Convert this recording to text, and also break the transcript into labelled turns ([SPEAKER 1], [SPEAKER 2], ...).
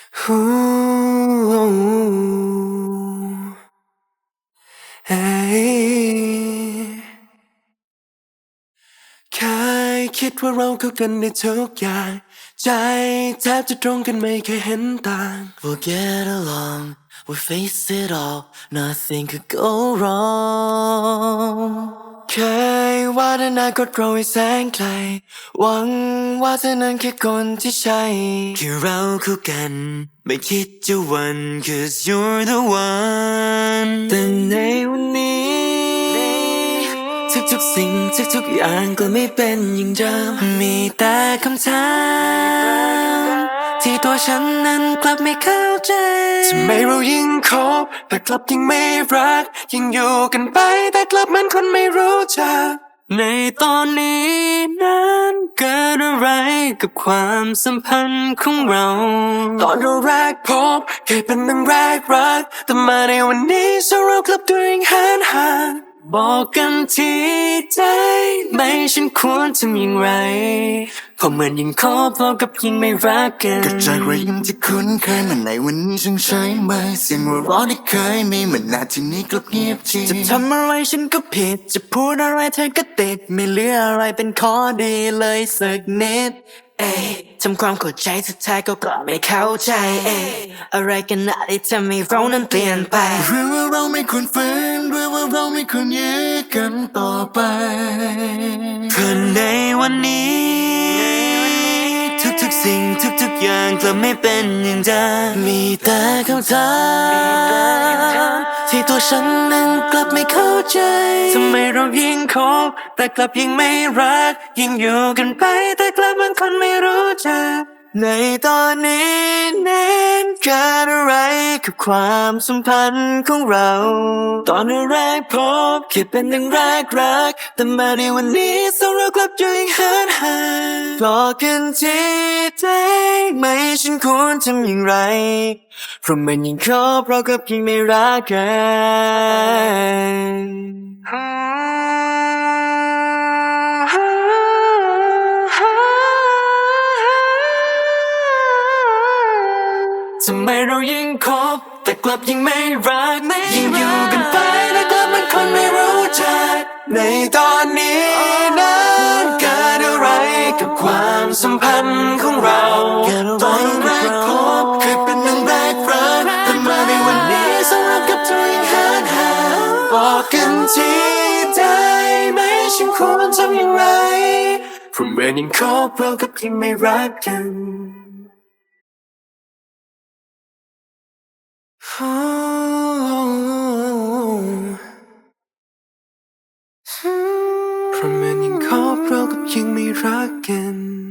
[SPEAKER 1] ฮู้เฮ้ยเคยคิดว่าเราเข้ากันในทุกอย่างใจแทบจะตรงกันไม่เคยเห็นต่าง
[SPEAKER 2] We'll get along, we'll face it all, nothing could go wrong.
[SPEAKER 1] เคยว่าอนาคตเราให้แสงไกลหวังว่าเธอนั้นคือคนที่ใช่
[SPEAKER 2] คือเราคู่กันไม่คิดจะหวัน cause you're the one แต่ในวันนี้ทุกๆสิ่งทุกๆอย่างก็ไม่เป็นอย่างเดิมมีแต่คำถามที่ตัวฉันนั้นกลับไม่เข้าใจ
[SPEAKER 1] ทำไมเรายิ่งคบแต่กลับยิ่งไม่รักยิ่งอยู่กันไปแต่กลับเหมือนคนไม่รู้จัก
[SPEAKER 2] ในตอนนี้นั้นเกิดอะไรกับความสัมพันธ์ของเรา
[SPEAKER 1] ตอนเราแรกพบเคยเป็นดังแรกรักแต่มาในวันนี้สเรากลับตัวเองห่าง
[SPEAKER 2] บอกกันทีได้ไหมฉันควรทำอย่างไรเพราะเหมือนยังคบเรากับยิ่งไม่รักกัน
[SPEAKER 3] ก็จากรอยยิ้มที่คุ้นเคยมันในวันนี้ฉันใช้ไหมเสียงหัวเราะที่เคยมีมันนาทีนี้กลับเงียบจริง
[SPEAKER 2] จะทำอะไรฉันก็ผิดจะพูดอะไรเธอก็ติดไม่เหลืออะไรเป็นข้อดีเลยสักนิดเอ้ทำความเข้าใจสุดท้ายก็กลับไม่เข้าใจเอ้อะไรกันนะที่ทำให้เรานั้นเปลี่ยนไป
[SPEAKER 3] หรือว่าเราไม่ควรฝืนหรือว่าเราไม่ควรยื้อกันต่อไป
[SPEAKER 2] เพราะในวันนี้ทุกสิ่งทุกอย่างกลับไม่เป็นอย่างเดิมมีแต่คำถามที่ตัวฉันนั้นกลับไม่เข้าใจทำไมเรายิ่งคบแต่กลับยิ่งไม่รักยิ่งอยู่กันไปแต่กลับเหมือนคนไม่รู้จักในตอนนี้นั้นเกิดอะไรกับความสัมพันธ์ของเราตอนแรกพบแค่เป็นดังแรกรักแต่มาในวันนี้สองเรากลับอยู่อย่างห่างบอกกันทีได้ไหมฉันควรทำอย่างไรเพราะมันยิ่งคบเรากับยิ่งไม่รักกันทำไมเรายิ่งคบแต่กลับยิ่งไม่รักยิ่งอยู่กันไปแต่กลับเหมือนคนไม่รู้จัก
[SPEAKER 1] ในตอนนี้นั้นเกิดอะไรกับความสัมพันธ์ของเรา
[SPEAKER 2] ตอนแรกพบ
[SPEAKER 1] เคยเป็นดังแรกรักแต่มาในวันนี้สำหรับกับตัวเองห่างบอกกันทีได้ไหมฉันควรทำอย่างไรเพราะเหมือนยังคบเรากับยังไม่รักกันเพราะเหมือนยังคบเรากับยังไม่รักกัน